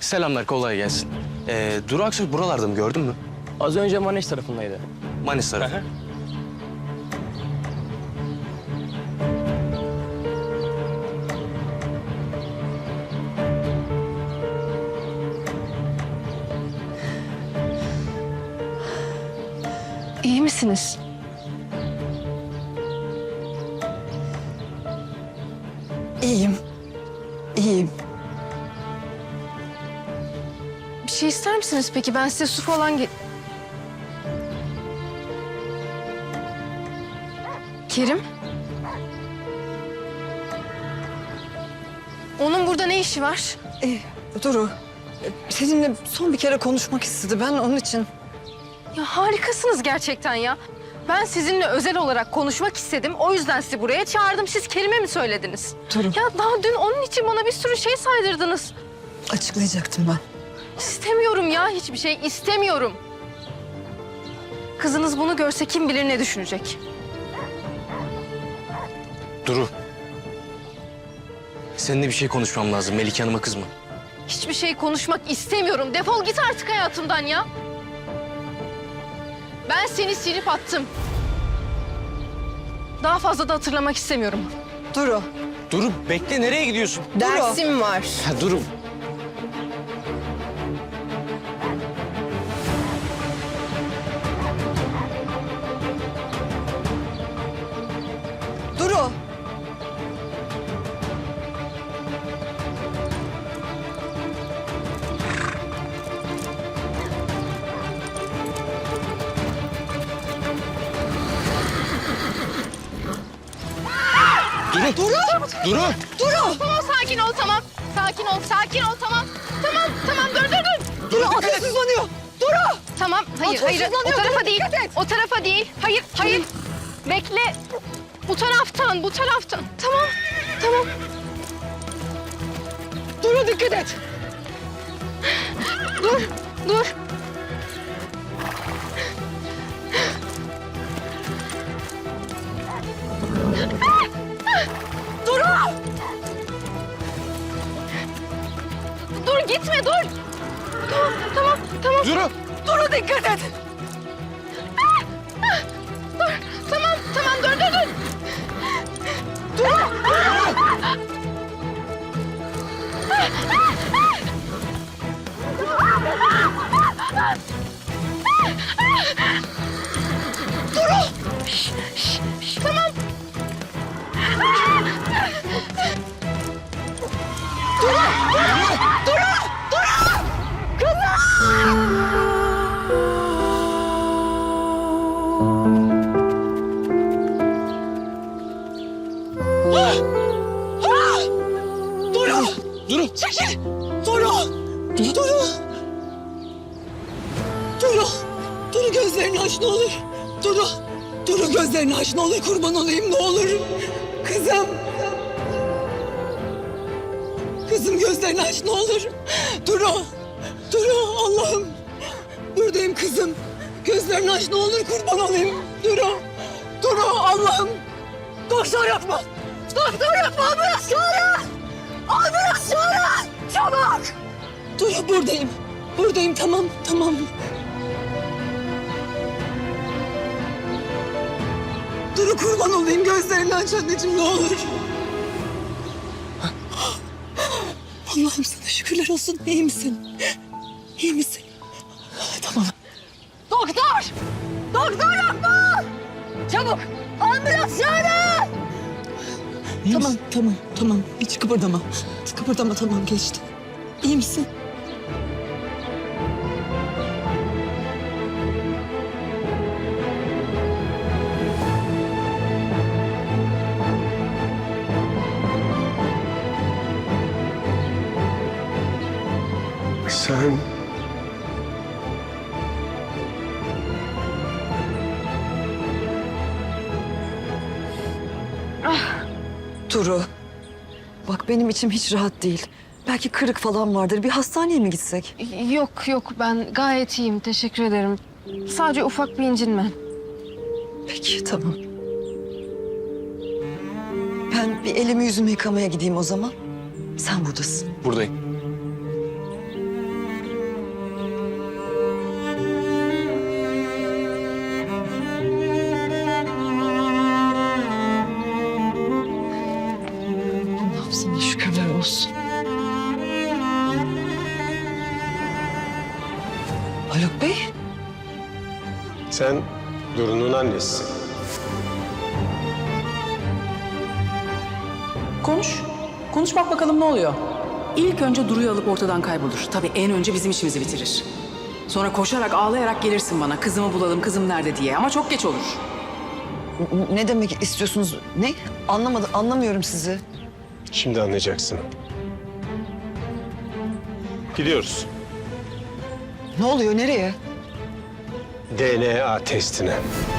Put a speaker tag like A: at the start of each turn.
A: Selamlar, kolay gelsin. Duru Aksoy buralarda mı, gördün mü?
B: Az önce Maneş tarafındaydı.
A: Manis tarafı.
C: İyi misiniz?
D: İyiyim. İyiyim.
C: Bir şey ister misiniz peki? Ben size su falan Kerim? Onun burada ne işi var?
D: Duru, seninle son bir kere konuşmak istedi. Ben onun için...
C: Ya harikasınız gerçekten ya. Ben sizinle özel olarak konuşmak istedim. O yüzden sizi buraya çağırdım. Siz kelime mi söylediniz?
D: Duru.
C: Ya daha dün onun için bana bir sürü şey saydırdınız.
D: Açıklayacaktım ben.
C: İstemiyorum ya, hiçbir şey istemiyorum. Kızınız bunu görse kim bilir ne düşünecek.
A: Duru. Seninle bir şey konuşmam lazım. Melike Hanım'a kızma.
C: Hiçbir şey konuşmak istemiyorum. Defol git artık hayatımdan ya. Ben seni silip attım. Daha fazla da hatırlamak istemiyorum.
D: Duru.
A: Duru bekle, nereye gidiyorsun?
C: Dersim var.
A: Ha, Duru.
D: Duru.
A: Duru. Duru. Duru.
D: Duru.
C: Tamam, sakin ol, tamam. Sakin ol, sakin ol, tamam. Tamam, dur.
D: Duru ateşsizlanıyor. Duru.
C: Tamam, hayır. O
D: Ateşsizlanıyor,
C: tarafa
D: dur,
C: değil.
D: dikkat et.
C: O tarafa değil. Hayır. Bekle. Bu taraftan. Tamam.
D: Duru dikkat et.
C: Dur.
D: Duru.
C: Dur, gitme, dur. Tamam.
A: Duru.
D: Duru dikkat et.
C: Tamam, dur. Tamam.
D: Duru.
A: Duru.
D: Çekil. Duru. Duru. Duru. Duru gözlerini aç ne olur. Duru. Duru gözlerini aç ne olur, kurban olayım ne olur. Kızım. Kızım gözlerini aç ne olur. Duru. Duru Allah'ım. Buradayım kızım. Gözlerini aç ne olur, kurban olayım. Duru. Duru Allah'ım. Doktor yapma. Doktor yapma. Ambulans çağırın. Ambulans çağırın. Çabuk. Duru buradayım. Buradayım tamam. Duru kurban olayım, gözlerini aç anneciğim ne olur. Allah'ım sana şükürler olsun. İyi misin? İyi misin? Tamam. Doktor! Doktor yapma! Çabuk! Ambulans çağırın! Tamam. Hiç kıpırdama. Tamam geçti. İyi misin?
E: Sen...
D: Duru. Bak benim içim hiç rahat değil. Belki kırık falan vardır. Bir hastaneye mi gitsek?
C: Yok, ben gayet iyiyim. Teşekkür ederim. Sadece ufak bir incinme.
D: Peki tamam. Ben bir elimi yüzümü yıkamaya gideyim o zaman. Sen buradasın.
A: Buradayım.
D: Şükürler olsun. Haluk Bey,
E: Sen Duru'nun annesisin.
F: Konuş. Konuş bak bakalım ne oluyor. İlk önce Duru'yu alıp ortadan kaybolur. Tabii en önce bizim işimizi bitirir. Sonra koşarak ağlayarak gelirsin bana. Kızımı bulalım, kızım nerede diye. Ama çok geç olur.
D: ne demek istiyorsunuz? Ne? Anlamıyorum sizi.
E: Şimdi anlayacaksın. Gidiyoruz.
D: Ne oluyor, nereye?
E: DNA testine.